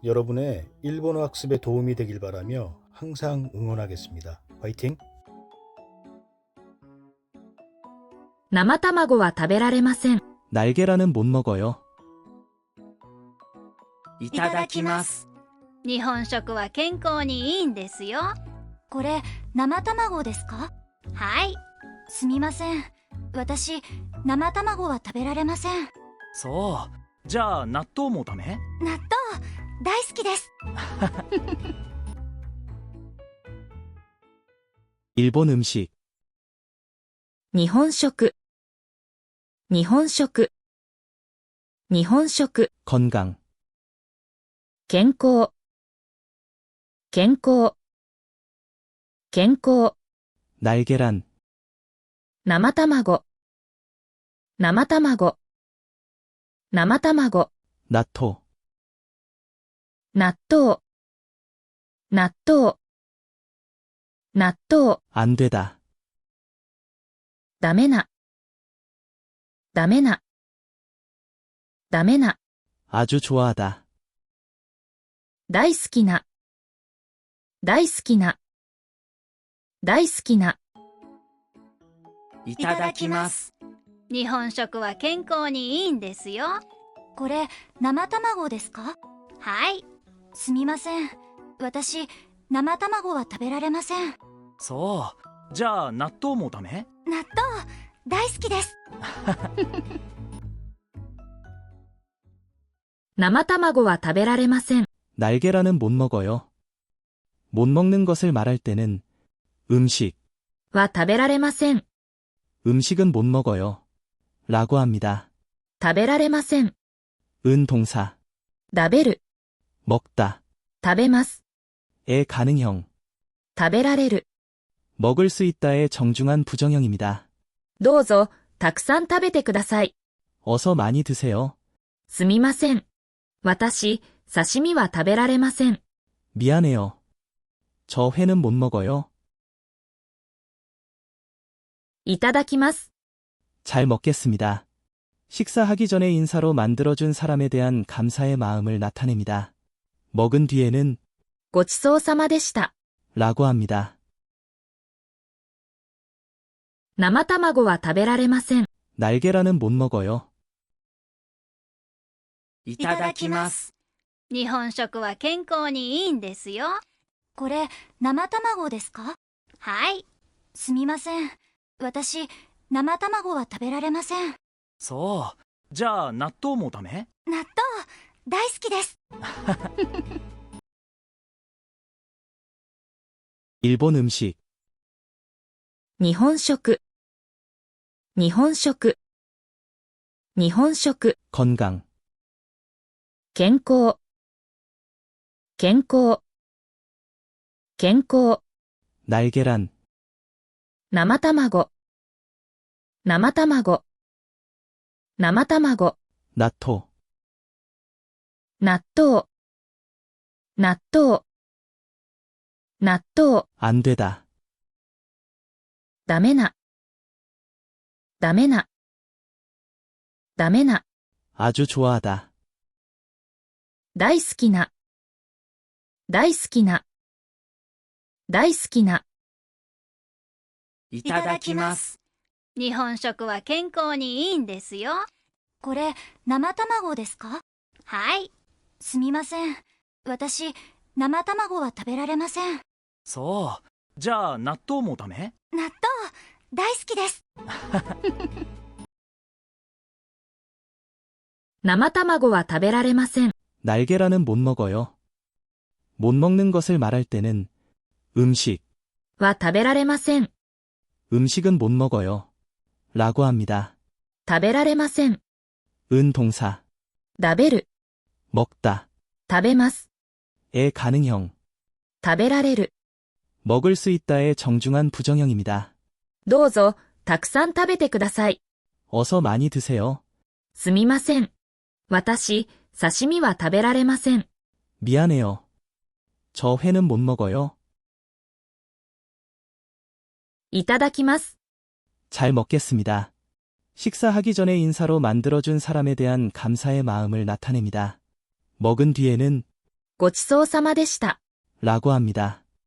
여러분의 일본어 학습에 도움이 되길 바라며 항상 응원하겠습니다. 화이팅! 生卵は食べられません。 날계란은 못 먹어요. いただきます。 日本食は健康にいいんですよ。 これ生卵ですか？ はい。 すみません。私、生卵は食べられません。 そう。じゃあ納豆もダメ？ 納豆、大好きです。 일본 음식. 日本食。日本食。日本食。 건강. 健康。健康。健康。 날계란. 生卵。生卵。生卵。 나토. 納豆。納豆。納豆。 안 되다. ダメな。ダメな。ダメな。 아주 좋아하다. 大好きな。大好きな。大好きな。 いただきます。 日本食は健康にいいんですよ。 これ生卵ですか？ はい。 すみません。私、生卵は食べられません。 そう。じゃあ納豆もダメ？ 納豆、大好きです。 生卵は食べられません。 날계란은 못 먹어요. 못 먹는 것을 말할 때는 음식, は食べられません。 음식은 못 먹어요. 라고 합니다. 食べられません。 은 동사, 食べる。 먹다, 食べます。 의 가능형, 食べられる。 먹을 수 있다의 정중한 부정형입니다. どうぞ、たくさん食べてください。 어서 많이 드세요. すみません。私、刺身は食べられません。 미안해요. 저 회는 못 먹어요. いただきます。 잘 먹겠습니다. 식사하기 전에 인사로 만들어준 사람에 대한 감사의 마음을 나타냅니다. 먹은 뒤에는 ごちそうさまでした。 라고 합니다. 生卵は食べられません。 날계란은 못 먹어요. いただきます。 日本食は健康にいいんですよ。 これ生卵ですか？ はい。 すみません。私、生卵は食べられません。 そう。じゃあ納豆もダメ？ 納豆、大好きです。 일본 음식. 日本食。日本食。日本食。 건강, 健康。健康。健康。 날계란, 生卵。生卵。生卵。 나토, 納豆。納豆。納豆。 안 되다. ダメな。ダメな。ダメな。 아주 좋아하다. 大好きな。大好きな。大好きな。 いただきます。 日本食は健康にいいんですよ。 これ生卵ですか？ はい。 すみません。私、生卵は食べられません。 そう。じゃあ納豆もダメ？ 納豆、大好きです。 生卵は食べられません。 날계란은 못 먹어요. 못 먹는 것을 말할 때는 음식, は食べられません。 음식은 못 먹어요. 라고 합니다. 食べられません。 은 동사, 食べる。 먹다, 食べます。 의 가능형, 食べられる。 먹을 수 있다의 정중한 부정형입니다. どうぞ、たくさん食べてください。 어서 많이 드세요. すみません。私、刺身は食べられません。 미안해요. 저 회는 못 먹어요. いただきます。 잘 먹겠습니다. 식사하기 전에 인사로 만들어준 사람에 대한 감사의 마음을 나타냅니다. 먹은 뒤에는 ごちそうさまでした。 라고 합니다.